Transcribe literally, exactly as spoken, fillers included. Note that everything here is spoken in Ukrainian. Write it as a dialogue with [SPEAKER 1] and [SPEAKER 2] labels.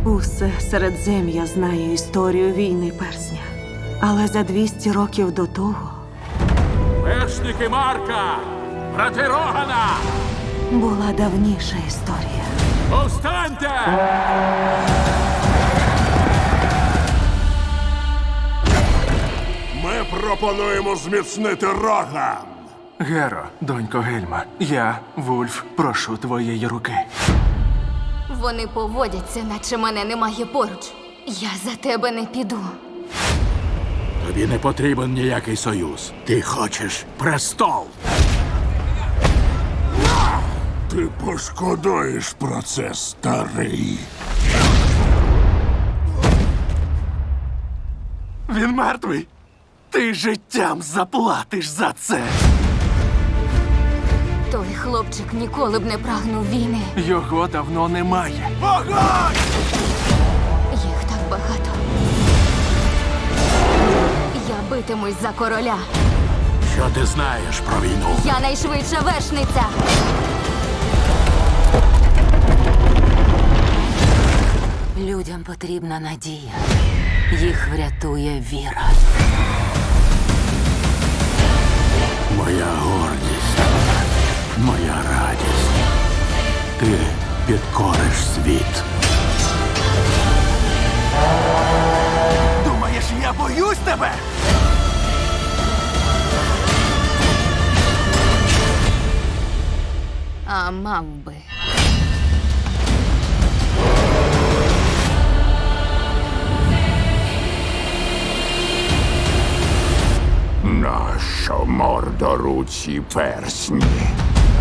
[SPEAKER 1] Усе Середзем'я знає історію війни персня. Але за двісті років до того
[SPEAKER 2] Вершники Марка! Брати Рогана!
[SPEAKER 1] була давніша історія.
[SPEAKER 2] Повстаньте!
[SPEAKER 3] Ми пропонуємо зміцнити Роган.
[SPEAKER 4] Геро, донько Гельма, я, Вульф, прошу твоєї руки.
[SPEAKER 5] Вони поводяться, наче мене немає поруч. Я за тебе не піду.
[SPEAKER 2] Тобі не потрібен ніякий союз. Ти хочеш престол.
[SPEAKER 3] Ти пошкодуєш про це, старий.
[SPEAKER 4] Він мертвий. Ти життям заплатиш за це.
[SPEAKER 5] Той хлопчик ніколи б не прагнув війни.
[SPEAKER 4] Його давно немає.
[SPEAKER 5] Їх так багато. Я битимусь за короля.
[SPEAKER 2] Що ти знаєш про війну?
[SPEAKER 5] Я найшвидша вершниця.
[SPEAKER 6] Людям потрібна надія. Їх врятує віра.
[SPEAKER 2] Моя гордість, моя радість. Ти підкориш світ.
[SPEAKER 4] Думаєш, я боюсь тебе?
[SPEAKER 5] А мав би.
[SPEAKER 3] Нащо мордоруці персні?